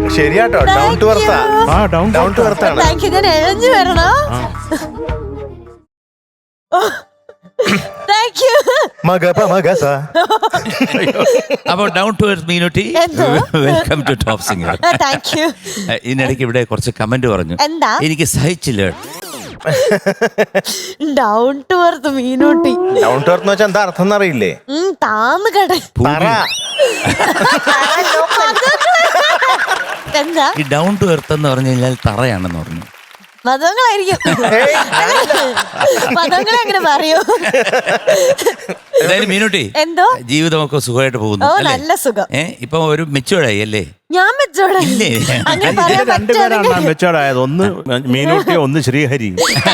ശരിയാട്ടോ, down to എർത്താ. Down to എർത്താണ്. ഞാൻ എഴഞ്ഞു വരണോ? അപ്പോൾ down to earth Meenutty, welcome to top singer. ഇതിനിടയ്ക്ക് ഇവിടെ കുറച്ച് കമന്റ് പറഞ്ഞു. എന്താ? എനിക്ക് സഹിച്ചില്ല. Down to earth Meenutty. Down to earth വെച്ചാൽ എന്താ അർത്ഥം എന്നറിയില്ലേ? താന്ന് കട. എന്താ ഈ ഡൗൺ ടു എർത്ത് എന്ന് പറഞ്ഞു കഴിഞ്ഞാൽ തറയാണെന്ന് പറഞ്ഞു. മതങ്ങളായിരിക്കും. മതങ്ങളെ അങ്ങനെ പറയൂ. എന്തായാലും മീനുട്ടി, എന്തോ ജീവിതമൊക്കെ സുഖമായിട്ട് പോകുന്നു. നല്ല സുഖം. ഇപ്പൊ ഒരു മെച്ചൂർഡായി അല്ലേ? ഞാൻ മെച്ചൂർഡായി. രണ്ടുപേരാണ് മെച്ചൂർഡായത്. ഒന്ന് മീനുട്ടി, ഒന്ന് ശ്രീഹരി.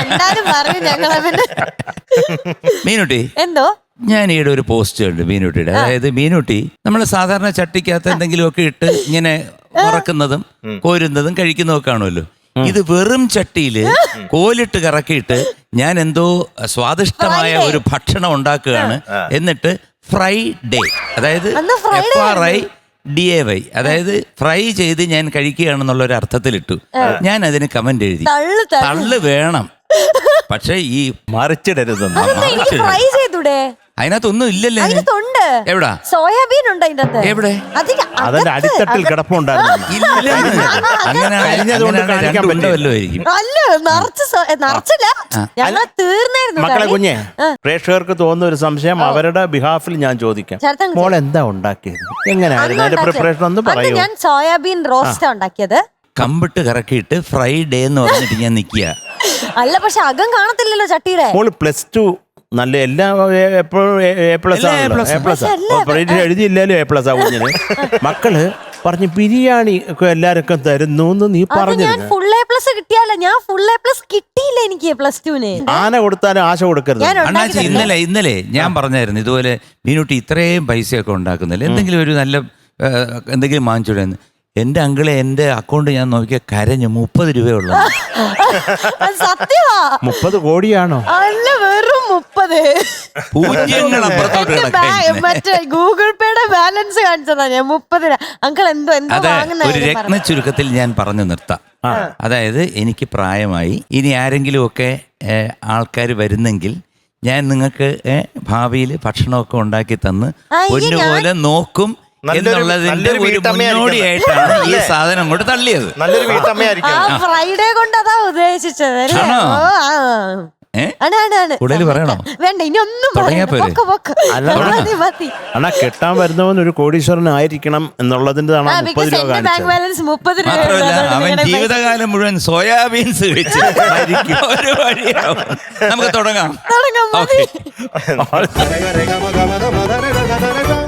മീനുട്ടി, എന്തോ ഞാൻ ഈയിടെ ഒരു പോസ്റ്റ് ഉണ്ട് മീനുട്ടിയുടെ. അതായത് മീനുട്ടി നമ്മൾ സാധാരണ ചട്ടിക്കകത്ത് എന്തെങ്കിലുമൊക്കെ ഇട്ട് ഇങ്ങനെ ഉറക്കുന്നതും കോരുന്നതും കഴിക്കുന്നതും ഒക്കെ കാണുമല്ലോ. ഇത് വെറും ചട്ടിയില് കോലിട്ട് കറക്കിയിട്ട് ഞാൻ എന്തോ സ്വാദിഷ്ടമായ ഒരു ഭക്ഷണം ഉണ്ടാക്കുകയാണ്. എന്നിട്ട് ഫ്രൈ ഡേ, അതായത് FRIDAY, അതായത് ഫ്രൈ ചെയ്ത് ഞാൻ കഴിക്കുകയാണെന്നുള്ള ഒരു അർത്ഥത്തിലിട്ടു. ഞാൻ അതിന് കമന്റ് എഴുതി, തള്ളു വേണം, പക്ഷെ ഈ മറിച്ചിടരുതെന്ന്. അതിനകത്തൊന്നും ഇല്ലല്ലോ. എവിടാ സോയാബീൻ ഉണ്ട് അതിന്റെ അകത്ത്. എവിടെ? അതിന്റെ അടിത്തട്ടിൽ കിടപ്പുണ്ടായിരുന്നു. മക്കളെ കുഞ്ഞെ, പ്രേക്ഷകർക്ക് തോന്നുന്ന ഒരു സംശയം അവരുടെ ബിഹാഫിൽ ഞാൻ ചോദിക്കാം. മോൾ എന്താ ഉണ്ടാക്കിയത്? എങ്ങനെയായിരുന്നു അതിന്റെ പ്രിപ്പറേഷൻ ഒന്ന് പറയൂ. ഞാൻ സോയാബീൻ റോസ്റ്റ് ഉണ്ടാക്കിയത്. കമ്പിട്ട് കറക്കിയിട്ട് ഫ്രൈ ഡേ എന്ന് പറഞ്ഞിട്ട് ഞാൻ നിക്കുക. അല്ല, പക്ഷെ അകം കാണത്തില്ലല്ലോ ചട്ടിയുടെ. മോള് +2 നല്ല എല്ലാം എപ്പോഴും A+ എഴുതിയില്ലാലും A+ കുഞ്ഞിന്. മക്കള് പറഞ്ഞു ബിരിയാണി ഒക്കെ എല്ലാവർക്കും തരുന്നു എന്ന് നീ പറഞ്ഞു. ഫുൾ A+ കിട്ടിയാലോ? ഞാൻ ഫുൾ A+ കിട്ടിയില്ല എനിക്ക് +2. ആന കൊടുത്താലും ആശ കൊടുക്കരുത്. അണ്ണാച്ചി, ഇന്നലെ ഞാൻ പറഞ്ഞായിരുന്നു ഇതുപോലെ മീനുട്ടി ഇത്രയും പൈസയൊക്കെ ഉണ്ടാക്കുന്നില്ല, എന്തെങ്കിലും ഒരു നല്ല എന്തെങ്കിലും വാങ്ങിച്ചൂടെന്ന്. എന്റെ അങ്കിളെ എന്റെ അക്കൗണ്ട് ഞാൻ നോക്കിയ കരഞ്ഞു. 30 രൂപയുള്ളൂ. സത്യമാ? 30 കോടിയാണോ? അല്ല, വെറും 30. മറ്റേ ഗൂഗിൾ പേയുടെ ബാലൻസ് കാണിച്ചതാ ഞാൻ 30. അങ്കിൾ എന്തോ ഒരു രത്ന ചുരുക്കത്തിൽ ഞാൻ പറഞ്ഞു നിർത്താം. അതായത് എനിക്ക് പ്രായമായി. ഇനി ആരെങ്കിലും ഒക്കെ ആൾക്കാർ വരുന്നെങ്കിൽ ഞാൻ നിങ്ങൾക്ക് ഭാവിയിൽ ഭക്ഷണമൊക്കെ ഉണ്ടാക്കി തന്ന് പൊന്നുപോലെ നോക്കും എന്നുള്ളതിന്റെ ഒരു മുന്നോടിയായിട്ടാണ് ഈ സാധനം കൊണ്ട് തള്ളിയത്. നല്ലൊരു വീട്ടമ്മയായിരിക്കും. ഫ്രൈഡേ കൊണ്ട് അതാ ഉദ്ദേശിച്ചത്. കൂടുതൽ പറയണോ? വേണ്ട, ഇനി ഒന്നും അണ്ണാ, കെട്ടാൻ വരുന്നവൻ ഒരു കോടീശ്വരനായിരിക്കണം എന്നുള്ളതിന്റെ മാത്രമല്ല, അവൻ ജീവിതകാലം മുഴുവൻ സോയാബീൻസ് കഴിച്ച് ഒരു വഴിയാവും. നമുക്ക് തുടങ്ങാം.